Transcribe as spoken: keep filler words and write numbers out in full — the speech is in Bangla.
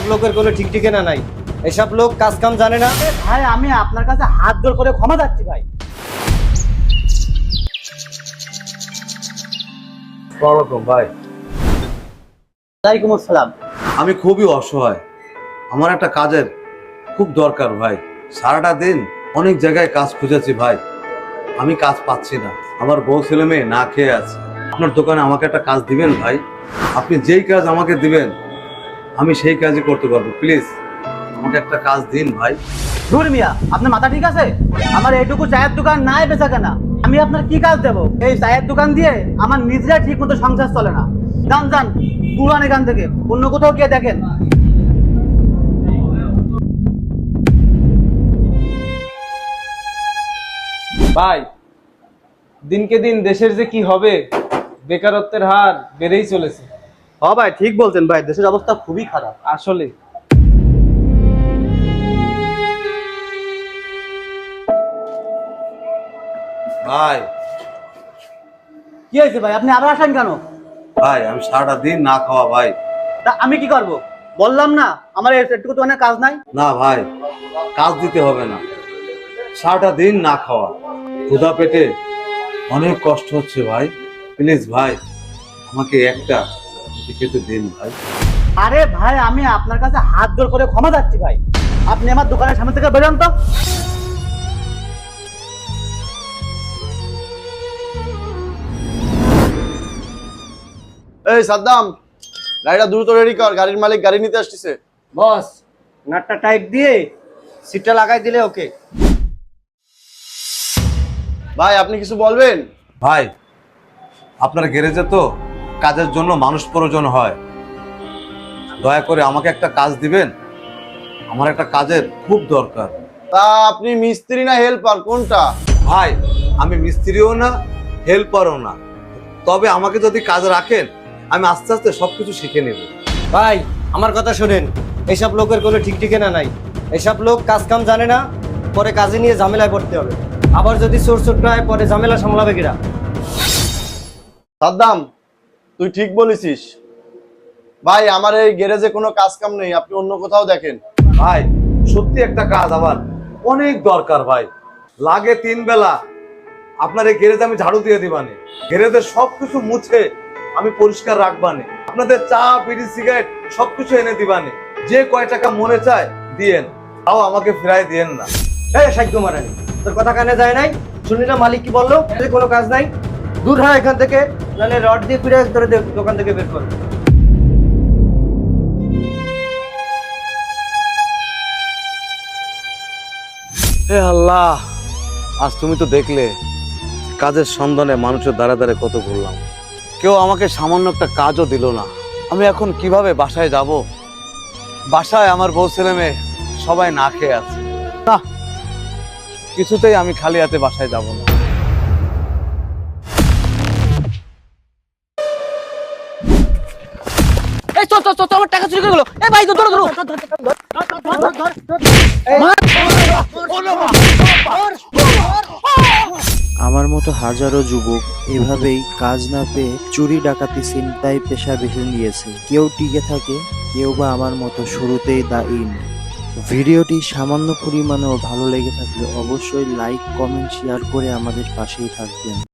লোকের কোনো ঠিক ঠিকানা নাই। এসব লোক কাজ কাম জানে না। ভাই আমি আপনার কাছে হাত জোড় করে ক্ষমা চাচ্ছি ভাই। ওয়ালাইকুম ভাই। ওয়ালাইকুম আসসালাম। আমি খুবই অসহায়, আমার একটা কাজের খুব দরকার ভাই। সারাটা দিন অনেক জায়গায় কাজ খুঁজেছি ভাই, আমি কাজ পাচ্ছি না। আমার বউ ছেলে মেয়ে না খেয়ে আছে। আপনার দোকানে আমাকে একটা কাজ দিবেন ভাই? আপনি যেই কাজ আমাকে দিবেন আমি সেই কাজই করতে পারবো। প্লিজ আমাকে একটা কাজ দিন ভাই। ধুর মিয়া, আপনার মাথা ঠিক আছে? আমার এইটুকু চায়ের দোকান নাই বেচা কেনা, আমি আপনার কি কাজ দেবো? এই চায়ের দোকান দিয়ে আমার নিজেরা ঠিক মতো সংসার চলে না। যান যান পুরান এখান থেকে, অন্য কোথাও গিয়ে দেখেন। ভাই দিনকে দিন দেশের যে কি হবে, বেকারত্বের হার বেড়েই চলেছে। হ্যাঁ ভাই ঠিক বলছেন ভাই, দেশের অবস্থা খুবই খারাপ আসলে ভাই কি হয়েছে ভাই, আপনি আবার আসেন কেন? ভাই আমি সারাটা দিন না খাওয়া ভাই। তা আমি কি করব? বললাম না আমার একটু তো অনেক কাজ নাই। না ভাই, কাজ দিতে হবে না, সারাটা দিন না খাওয়া, ক্ষুধা পেটে অনেক কষ্ট হচ্ছে ভাই। প্লিজ ভাই আমাকে একটা খেতে দিন ভাই। আরে ভাই আমি আপনার কাছে হাত জোড় করে ক্ষমা চাচ্ছি ভাই, আপনি আমার দোকানের সামনে থেকে বেরোন তো। এই সাদ্দাম, গাড়িটা দ্রুত রেডি কর, গাড়ির মালিক গাড়ি নিতে আসতেছে। বস, নাটটা টাইট দিয়ে সিটটা লাগাই দিলে ওকে। ভাই আপনি কিছু বলবেন? ভাই আপনার গ্যারেজে তো কাজের জন্য মানুষ প্রয়োজন হয়, দয়া করে আমাকে একটা কাজ দিবেন, আমার একটা কাজের খুব দরকার। তা আপনি মিস্ত্রি না হেল্পার কোনটা? ভাই আমি মিস্ত্রিও না হেল্পারও না, তবে আমাকে যদি কাজে রাখেন আমি আস্তে আস্তে সবকিছু শিখে নেব। ভাই আমার কথা শুনেন, এসব লোকের কোনো ঠিক ঠিকানা নাই। এসব লোক কাজ কাম জানে না, পরে কাজে নিয়ে ঝামেলায় পড়তে হবে। আবার যদি চোর চোট হয় পরে ঝামেলা সামলাবে কিরা? সাদ্দাম তুই ঠিক বলেছিস ভাই, আমার এই গ্যারেজে কোনো কাজ কাম নেই, আপনি অন্য কোথাও দেখেন। ভাই সত্যি একটা কাজ আমার অনেক দরকার ভাই, লাগে তিন বেলা আপনার এই গ্যারেজে আমি ঝাড়ু দিয়ে দিবানে, গ্যারেজের সবকিছু মুছে আমি পরিষ্কার রাখবানে, আপনাদের চা বিড়ি সিগারেট সবকিছু এনে দিবানে, যে কয় টাকা মনে চায় দিয়েন, তাও আমাকে ফিরাই দিয়েন না। এই সাহায্য মারানি, তোর কথা কানে যায় নাই? শুনলি না মালিক কি বললো? কোনো কাজ নাই, দূর হয় এখান থেকে, নাহলে রড দিয়ে ফিরে ধরে দোকান থেকে বের করবে। হে আল্লাহ, আজ তুমি তো দেখলে কাজের সন্ধানে মানুষের দ্বারা দ্বারে কত ঘুরলাম, কেউ আমাকে সামান্য একটা কাজও দিল না। আমি এখন কিভাবে বাসায় যাব? বাসায় আমার বউ ছেলে মেয়ে সবাই না খেয়ে আছে। না, কিছুতেই আমি খালি হাতে বাসায় যাব না। এই চল চল চল, আমার টাকা চুরি করে গেল। এই ভাই ধরো ধরো। আমার মতো হাজারো যুবক এভাবেই কাজ না পেয়ে চুরি ডাকাতি ছিনতাই পেশা বেছে নিয়েছে। কেউ টিকে থাকে, কেউ বা আমার মতো শুরুতেই দা ইন। ভিডিওটি সামান্য পরিমাণেও ভালো লেগে থাকলে অবশ্যই লাইক কমেন্ট শেয়ার করে আমাদের পাশেই থাকবেন।